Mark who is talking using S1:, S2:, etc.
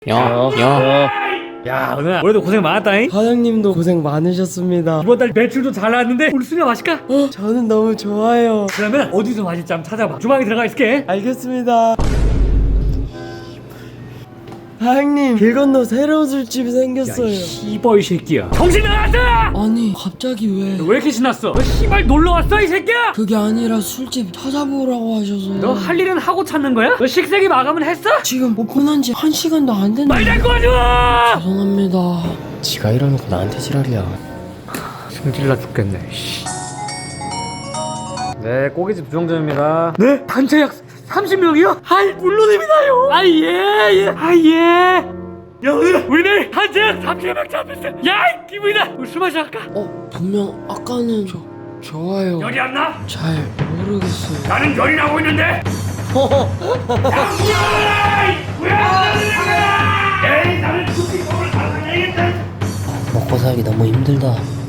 S1: 야, 오늘 올해도 고생 많았다잉.
S2: 사장님도 고생 많으셨습니다.
S1: 이번 달 매출도 잘 나왔는데 우리 수녀 마실까?
S2: 저는 너무 좋아요.
S1: 그러면 어디서 마실지 한번 찾아봐. 주방에 들어가 있을게.
S2: 알겠습니다. 사장님, 길 건너 새로운 술집이 생겼어요.
S1: 씨발 이 새끼야. 정신 나갔어!
S2: 아니, 갑자기 왜?
S1: 너 왜 이렇게 신났어? 너 씨발 놀러 왔어 이 새끼야?
S2: 그게 아니라 술집 찾아보라고 하셔서.
S1: 너 할 일은 하고 찾는 거야? 너 식세기 마감은 했어?
S2: 지금 오픈한 지 1시간도 안 됐는데.
S1: 말 잘 꺼줘!
S2: 죄송합니다. 지가 이러놓고 나한테 지랄이야.
S1: 승질나 죽겠네. 네, 고깃집 주정점입니다. 네? 단체 약 30명이요? 아이, 물론입니다요. 예. 야, 우리 내일 단체 약 30명 잡혔어. 야, 이 기분이다. 우리 술 마시러 갈까?
S2: 분명 아까는 좋아요.
S1: 열이 안 나?
S2: 잘 모르겠어요.
S1: 나는 열이 나고 있는데.
S2: 먹고 살기 너무 힘들다.